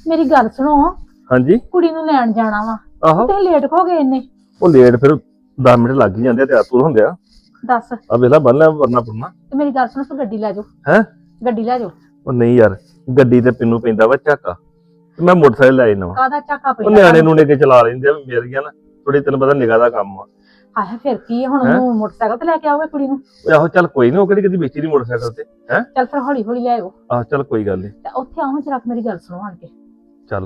ਮੇਰੀ ਗੱਲ ਸੁਣੋ। ਹਾਂਜੀ ਕੁੜੀ ਨੂੰ ਲੈਣ ਜਾਣਾ ਵਾ। ਆਹੋ ਤੇ ਲੇਟ ਹੋ ਗਏ ਇੰਨੇ। ਉਹ ਲੇਟ ਫਿਰ 10 ਮਿੰਟ ਲੱਗ ਹੀ ਜਾਂਦੇ ਆ ਤਿਆਰ ਤੁਰ ਹੁੰਦੇ ਆ। ਦੱਸ। ਆ ਵੇਲਾ ਬੰਨ ਲਿਆ ਵਰਨਾ ਪੁਰਨਾ ਤੇ ਮੇਰੀ ਗੱਲ ਸੁਣੋ, ਤੂੰ ਗੱਡੀ ਲੈ ਜਾਓ। ਹੈ। ਗੱਡੀ ਲੈ ਜਾਓ। ਉਹ ਨਹੀਂ ਯਾਰ, ਗੱਡੀ ਤੇ ਪਿੰਨੂ ਪੈਂਦਾ ਵਾ ਝਾਕਾ, ਤੇ ਮੈਂ ਮੋਟਰਸਾਈਕਲ ਲੈ ਜਾਣਾ ਵਾ। ਕਾਹਦਾ ਝਾਕਾ ਉਹ ਪੈਂਦਾ ਨਿਆਣੇ ਨੂੰ ਕੇ ਚਲਾ ਲੈਂਦੇ ਆ, ਮੇਰ ਗਿਆ ਨਾ ਥੋੜੀ, ਤੈਨੂੰ ਪਤਾ ਨਿਗਾਹ ਦਾ ਕੰਮ ਆ। ਆਹ ਫਿਰ ਕੀ ਆ, ਹੁਣ ਹੈਂ? ਉਹਨੂੰ ਮੋਟਰਸਾਈਕਲ ਤੇ ਲੈ ਕੇ ਆਓਗੇ ਕੁੜੀ ਨੂੰ? ਉਹ ਆਹੋ ਚੱਲ ਕੋਈ ਨਹੀਂ, ਉਹ ਕਿਹੜੀ ਕਦੀ ਵੇਚੀ ਨਹੀਂ ਮੋਟਰਸਾਈਕਲ ਤੇ ਹੈ। ਚੱਲ ਫਿਰ ਹੌਲੀ ਹੌਲੀ ਲੈ ਆਓ। ਆਹ ਚੱਲ ਕੋਈ ਗੱਲ ਨਹੀਂ। ਤੇ ਉੱਥੇ ਆਉਂ ਜਰਾ, ਮੇਰੀ ਗੱਲ ਸੁਣੋ ਆਣ ਕੇ। ਚੱਲ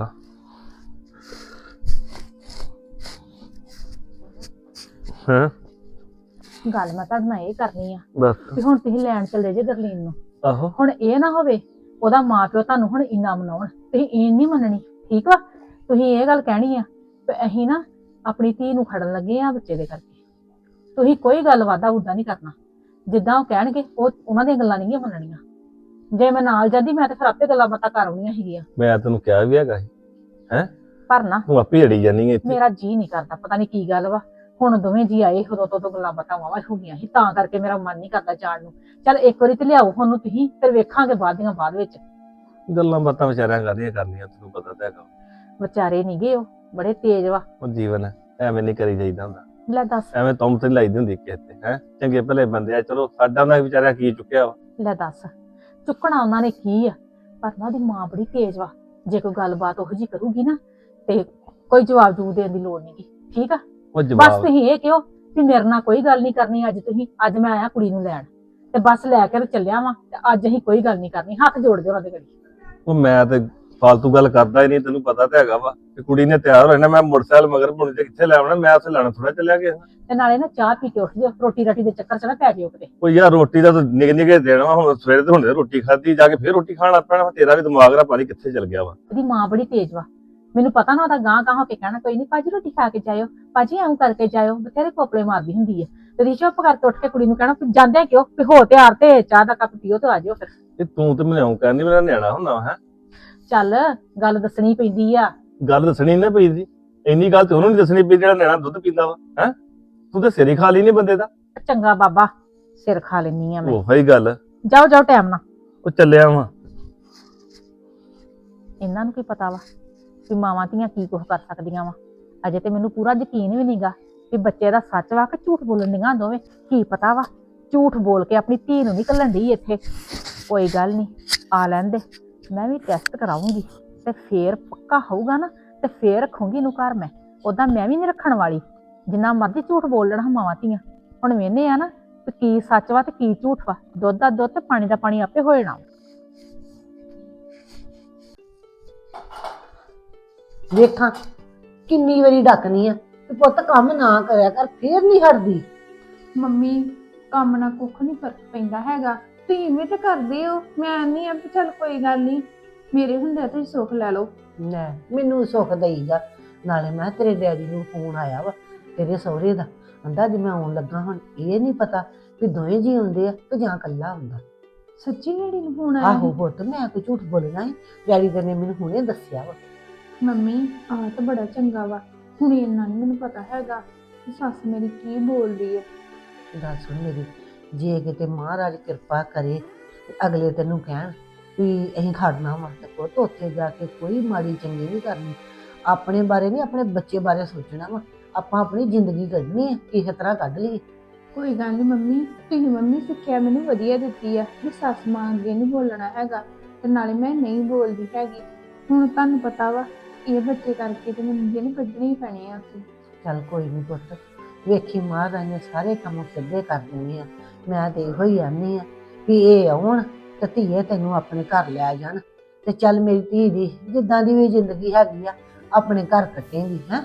ਹਾਂ ਗੱਲ ਮੈਂ ਤੁਹਾਡੇ ਨਾਲ ਇਹ ਕਰਨੀ ਆ ਬਸ। ਵੀ ਹੁਣ ਤੁਸੀਂ ਲੈਣ ਚੱਲੇ ਜੇ ਗਰਲੀਨ ਨੂੰ। ਆਹੋ ਹੁਣ ਇਹ ਨਾ ਹੋਵੇ ਉਹਦਾ ਮਾਂ ਪਿਓ ਤੁਹਾਨੂੰ ਹੁਣ ਇੰਨਾ ਮਨਾਉਣ, ਤੁਸੀਂ ਇਹ ਨਹੀਂ ਮੰਨਣੀ, ਠੀਕ ਵਾ? ਤੁਸੀਂ ਇਹ ਗੱਲ ਕਹਿਣੀ ਆ ਵੀ ਅਸੀਂ ਨਾ ਆਪਣੀ ਧੀ ਨੂੰ ਖੜਨ ਲੱਗੇ ਆ ਬੱਚੇ ਦੇ ਕਰਕੇ। ਤੁਸੀਂ ਕੋਈ ਗੱਲ ਵਾਦਾ ਉਦਾਂ ਨਹੀਂ ਕਰਨਾ, ਜਿੱਦਾਂ ਉਹ ਕਹਿਣਗੇ ਉਹ ਉਹਨਾਂ ਦੀਆਂ ਗੱਲਾਂ ਨਹੀਂ ਮੰਨਣੀਆਂ। ਜੇ ਮੈਂ ਨਾਲ ਜਾਂਦੀ ਮੈਂ ਤਾਂ ਫਿਰ ਆਪੇ ਗੱਲਾਂ ਬਾਤਾਂ ਕਰ ਆਉਣੀਆਂ ਸੀਗੀਆਂ। ਮੈਂ ਤੈਨੂੰ ਕਿਹਾ ਵੀ ਹੈਗਾ ਸੀ ਹੈ, ਪਰ ਨਾ ਤੂੰ ਆਪੇ ਅੜੀ ਜਾਨੀ ਹੈ ਇੱਥੇ। ਮੇਰਾ ਜੀ ਨਹੀਂ ਕਰਦਾ, ਪਤਾ ਨਹੀਂ ਕੀ ਗੱਲ ਵਾ। ਹੁਣ ਦੋਵੇਂ ਜੀ ਆਏ, ਉਦੋਂ ਤੋਂ ਗੱਲਾਂ ਬਾਤਾਂ ਵਾਵਾ ਹੋ ਗਈਆਂ ਸੀ, ਤਾਂ ਕਰਕੇ ਮੇਰਾ ਮਨ ਨਹੀਂ ਕਰਦਾ ਜਾਣ ਨੂੰ। ਚੱਲ ਇੱਕ ਵਾਰੀ ਤੇ ਲਿਆਓ ਉਹਨੂੰ ਤੁਸੀਂ, ਫਿਰ ਵੇਖਾਂਗੇ ਬਾਅਦ ਵਿੱਚ। ਗੱਲਾਂ ਬਾਤਾਂ ਵਿਚਾਰਿਆਂ ਕਾਹਦੀਆਂ ਕਰਨੀਆਂ, ਤੈਨੂੰ ਪਤਾ ਤਾਂ ਹੈਗਾ। ਵਿਚਾਰੇ ਨੀ ਗੇ, ਉਹ ਬੜੇ ਤੇਜ਼ ਵਾ। ਉਹ ਜੀਵਨ ਹੈ, ਐਵੇਂ ਨਹੀਂ ਕਰੀ ਜਾਈਦਾ ਹੁੰਦਾ। ਲੈ ਦੱਸ। ਐਵੇਂ ਤੁਮ ਤੇ ਲਾਈਦੀ ਹੁੰਦੀ ਕਿਸੇ ਤੇ ਹੈ। ਚੰਗੇ ਭਲੇ ਬੰਦੇ ਆ, ਚਲੋ ਸਾਡਾ ਦਾ ਵਿਚਾਰਿਆ ਕੀ ਚੁੱਕਿਆ ਵਾ। ਲੈ ਦੱਸ, ਚੁੱਕਣਾ ਉਹਨਾਂ ਨੇ ਕੀ ਆ? ਪਰ ਨਾ ਉਹਦੀ ਮਾਂ ਬੜੀ ਤੇਜ਼ ਵਾ। ਜੇ ਕੋਈ ਗੱਲਬਾਤ ਉਹੋ ਜੀ ਕਰੂਗੀ ਨਾ ਤੇ ਕੋਈ ਜਵਾਬ ਜੂ ਦੇਣ ਦੀ ਲੋੜ ਨੀ, ਠੀਕ ਆ? ਉਹ ਬਸ ਜਵਾਬ ਤੁਸੀਂ ਇਹ ਕਿਉਂ ਵੀ ਮੇਰੇ ਨਾਲ ਕੋਈ ਗੱਲ ਨਹੀਂ ਕਰਨੀ ਅੱਜ। ਤੁਸੀਂ ਅੱਜ ਮੈਂ ਆਇਆ ਕੁੜੀ ਨੂੰ ਲੈਣ, ਤੇ ਬਸ ਲੈ ਕੇ ਤੇ ਚੱਲਿਆ ਵਾਂ, ਤੇ ਅੱਜ ਅਸੀਂ ਕੋਈ ਗੱਲ ਨਹੀਂ ਕਰਨੀ। ਹੱਥ ਜੋੜ ਦਿਓ ਉਹਨਾਂ ਦੇ ਗੜੀ। ਉਹ ਮੈਂ ਤੇ ਫਾਲਤੂ ਗੱਲ ਕਰਦਾ ਹੀ ਨਹੀਂ, ਤੈਨੂੰ ਪਤਾ ਤਾਂ ਹੈਗਾ ਵਾ ਕਿ ਕੁੜੀ ਨੇ ਤਿਆਰ ਹੋਣਾ, ਮੈਂ ਮੋਟਰਸਾਈਕਲ ਮਗਰ ਪੁਣੇ ਤੇ ਕਿੱਥੇ ਲੈ ਆਉਣਾ, ਮੈਂ ਉੱਥੇ ਲੈਣਾ ਥੋੜਾ ਚੱਲਿਆ ਗਿਆ। ਤੇ ਨਾਲੇ ਨਾ ਚਾਹ ਪੀ ਕੇ ਉੱਠ ਜਾਓ, ਰੋਟੀ ਰਾਟੀ ਦੇ ਚੱਕਰ ਚ ਨਾ ਪੈ ਜਾਇਓ ਕਿਤੇ। ਉਹ ਯਾਰ ਰੋਟੀ ਦਾ ਤਾਂ ਨਿੱਕੇ ਨਿੱਕੇ ਦੇਣਾ ਵਾ, ਹੁਣ ਸਵੇਰੇ ਤੇ ਹੁੰਦੇ ਰੋਟੀ ਖਾਧੀ, ਜਾ ਕੇ ਫੇਰ ਰੋਟੀ ਖਾਣਾ ਪੈਣਾ। ਤੇਰਾ ਵੀ ਦਿਮਾਗ ਦਾ ਪਾਣੀ ਕਿੱਥੇ ਚਲ ਗਿਆ ਵਾ। ਉਹਦੀ ਮਾਂ ਬੜੀ ਤੇਜ਼ ਵਾ, ਮੈਨੂੰ ਪਤਾ ਨਾ। ਉਹਦਾ ਗਾਂ ਹੋ ਕੇ ਕਹਿਣਾ ਕੋਈ ਨਹੀਂ ਭਾਜੀ ਰੋਟੀ ਖਾ ਕੇ ਜਾਇਓ, ਭਾਜੀ ਐਂ ਕਰਕੇ ਜਾਇਓ, ਬਥੇਰੇ ਕੋਪਲੇ ਮਾਰਦੀ ਹੁੰਦੀ ਹੈ। ਤੇ ਰੀ ਚੁੱਪ ਕਰਕੇ ਉੱਠ ਕੇ ਕੁੜੀ ਨੂੰ ਕਹਿਣਾ ਜਾਂਦੇ ਕਿਉਂ, ਵੀ ਹੋ ਤਿਆਰ ਤੇ ਚਾਹ ਦਾ ਕੱਪ ਪੀਓ ਤੇ ਆ ਜਾਇਓ ਫਿਰ। ਇਹ ਤੂੰ ਤੇ ਮੈਨੂੰ ਕਹਿੰਦੀ ਮੇਰਾ ਨਿਆਣਾ ਹੁੰਦਾ ਹੈ। ਚੱਲ ਗੱਲ ਦੱਸਣੀ ਪੈਂਦੀ ਆ। ਗੱਲ ਦੱਸਣੀ ਨਾ ਪਈਦੀ, ਇੰਨੀ ਗੱਲ ਤੇ ਉਹਨੂੰ ਨਹੀਂ ਦੱਸਣੀ ਪਈ ਜਿਹੜਾ ਨਿਆਣਾ ਦੁੱਧ ਪੀਂਦਾ ਵਾ ਹੈ। ਤੂੰ ਤਾਂ ਸਿਰ ਹੀ ਖਾ ਲਈ ਨੀ ਬੰਦੇ ਦਾ। ਚੰਗਾ ਬਾਬਾ, ਸਿਰ ਖਾ ਲੈਣੀ ਆ ਮੈਂ। ਉਹੀ ਗੱਲ। ਜਾਓ ਜਾਓ ਟਾਈਮ ਨਾਲ। ਉਹ ਚੱਲਿਆ ਵਾ। ਇਹਨਾਂ ਨੂੰ ਕੀ ਪਤਾ ਵਾ ਵੀ ਮਾਵਾਂ ਧੀਆਂ ਕੀ ਕੁਝ ਕਰ ਸਕਦੀਆਂ ਵਾ। ਅਜੇ ਤੇ ਮੈਨੂੰ ਪੂਰਾ ਯਕੀਨ ਵੀ ਨਹੀਂਗਾ ਵੀ ਬੱਚੇ ਦਾ ਸੱਚ ਵਾ ਕਿ ਝੂਠ ਬੋਲਣ ਦੀਆਂ ਦੋਵੇਂ। ਕੀ ਪਤਾ ਵਾ ਝੂਠ ਬੋਲ ਕੇ ਆਪਣੀ ਧੀ ਨੂੰ ਨਹੀਂ ਘੱਲਣ ਡਈ ਇੱਥੇ। ਕੋਈ ਗੱਲ ਨਹੀਂ, ਆ ਲੈਣ ਦੇ, ਮੈਂ ਵੀ ਟੈਸਟ ਕਰਾਉਂਗੀ ਤੇ ਫੇਰ ਪੱਕਾ ਹੋਊਗਾ ਨਾ ਤੇ ਫੇਰ ਰੱਖੂੰਗੀ ਇਹਨੂੰ ਘਰ ਮੈਂ। ਉਦਾਂ ਮੈਂ ਵੀ ਨਹੀਂ ਰੱਖਣ ਵਾਲੀ, ਜਿੰਨਾ ਮਰਜ਼ੀ ਝੂਠ ਬੋਲ ਲੈਣਾ ਮਾਵਾਂ ਧੀਆਂ। ਹੁਣ ਵੇਖਦੇ ਆ ਨਾ ਤੇ ਕੀ ਸੱਚ ਵਾ ਤੇ ਕੀ ਝੂਠ ਵਾ। ਦੁੱਧ ਦਾ ਦੁੱਧ ਤੇ ਪਾਣੀ ਦਾ ਪਾਣੀ ਆਪੇ ਹੋ ਜਾਣਾ। ਵੇਖਾਂ ਕਿੰਨੀ ਵਾਰੀ ਡੱਕਨੀ ਆ ਤੇ ਪੁੱਤ ਕੰਮ ਨਾ ਕਰਿਆ ਕਰ, ਫੇਰ ਨਹੀਂ ਹਟਦੀ। ਮੰਮੀ ਕੰਮ ਨਾਲ ਕੁੱਖ ਨਹੀਂ ਫਰਕ ਪੈਂਦਾ ਹੈਗਾ, ਤੁਸੀਂ ਵੀ ਤਾਂ ਕਰਦੇ ਹੋ। ਮੈਂ ਨਹੀਂ ਆ ਵੀ ਚੱਲ ਕੋਈ ਗੱਲ ਨਹੀਂ, ਮੇਰੇ ਹੁੰਦੇ ਤੁਸੀਂ ਸੁੱਖ ਲੈ ਲਓ। ਲੈ ਮੈਨੂੰ ਸੁੱਖ ਦੇਈਗਾ। ਨਾਲੇ ਮੈਂ ਤੇਰੇ ਡੈਡੀ ਨੂੰ ਫੋਨ ਆਇਆ ਵਾ ਤੇਰੇ ਸਹੁਰੇ ਦਾ, ਕਹਿੰਦਾ ਜੇ ਮੈਂ ਆਉਣ ਲੱਗਾ। ਹੁਣ ਇਹ ਨਹੀਂ ਪਤਾ ਵੀ ਦੋਵੇਂ ਜੀ ਆਉਂਦੇ ਆ ਤੇ ਜਾਂ ਇਕੱਲਾ ਹੁੰਦਾ। ਸੱਚੀ ਡੈਡੀ ਨੂੰ ਫੋਨ ਆਇਆ ਆਹੋ ਸੀ? ਪੁੱਤ ਮੈਂ ਕੋਈ ਝੂਠ ਬੋਲਣਾ ਹੈ? ਡੈਡੀ ਦੇ ਨੇ ਮੈਨੂੰ ਹੁਣੇ ਦੱਸਿਆ ਵਾ। ਮੰਮੀ ਆਹ ਤਾਂ ਬੜਾ ਚੰਗਾ ਵਾ। ਹੁਣ ਇੰਨਾ ਨਹੀਂ ਮੈਨੂੰ ਪਤਾ ਹੈਗਾ ਕਿ ਸੱਸ ਮੇਰੀ ਕੀ ਬੋਲਦੀ ਹੈ। ਗੱਲ ਸੁਣ ਮੇਰੀ, ਜੇ ਕਿਤੇ ਮਹਾਰਾਜ ਕਿਰਪਾ ਕਰੇ ਤੇ ਅਗਲੇ ਤੈਨੂੰ ਕਹਿਣ ਵੀ ਅਸੀਂ ਖੜਨਾ ਵਾ, ਤੇ ਪੁੱਤ ਉੱਥੇ ਜਾ ਕੇ ਕੋਈ ਮਾੜੀ ਚੰਗੀ ਨਹੀਂ ਕਰਨੀ। ਆਪਣੇ ਬਾਰੇ ਨਹੀਂ, ਆਪਣੇ ਬੱਚੇ ਬਾਰੇ ਸੋਚਣਾ ਵਾ। ਆਪਾਂ ਆਪਣੀ ਜ਼ਿੰਦਗੀ ਕੱਢਣੀ ਹੈ, ਕਿਸੇ ਤਰ੍ਹਾਂ ਕੱਢ ਲਈਏ। ਕੋਈ ਗੱਲ ਨਹੀਂ ਮੰਮੀ, ਤੁਸੀਂ ਮੰਮੀ ਸਿੱਖਿਆ ਮੈਨੂੰ ਵਧੀਆ ਦਿੱਤੀ ਆ ਵੀ ਸੱਸ ਮਾਂ ਅੱਗੇ ਨਹੀਂ ਬੋਲਣਾ ਹੈਗਾ, ਤੇ ਨਾਲੇ ਮੈਂ ਨਹੀਂ ਬੋਲਦੀ ਹੈਗੀ। ਹੁਣ ਤੁਹਾਨੂੰ ਪਤਾ ਵਾ ਇਹ ਬੱਚੇ ਕਰਕੇ ਤੇ ਮੈਨੂੰ ਜਿਹਨੂੰ ਕੱਢਣੇ ਹੀ ਪੈਣੇ ਆ ਅਸੀਂ। ਚੱਲ ਕੋਈ ਨਹੀਂ ਪੁੱਤ, ਵੇਖੀ ਮਹਾਰਾਜ ਨੇ ਸਾਰੇ ਕੰਮ ਸਿੱਧੇ ਕਰ ਦੇਣੇ ਆ। ਮੈਂ ਤੇ ਇਹੋ ਹੀ ਆਨੀ ਆ ਵੀ ਇਹ ਆਉਣ ਤੇ ਧੀਏ ਤੈਨੂੰ ਆਪਣੇ ਘਰ ਲੈ ਜਾਣ, ਤੇ ਚੱਲ ਮੇਰੀ ਧੀ ਦੀ ਜਿੱਦਾਂ ਦੀ ਵੀ ਜ਼ਿੰਦਗੀ ਹੈਗੀ ਆ ਆਪਣੇ ਘਰ ਕੱਟੇਂਗੀ। ਹੈ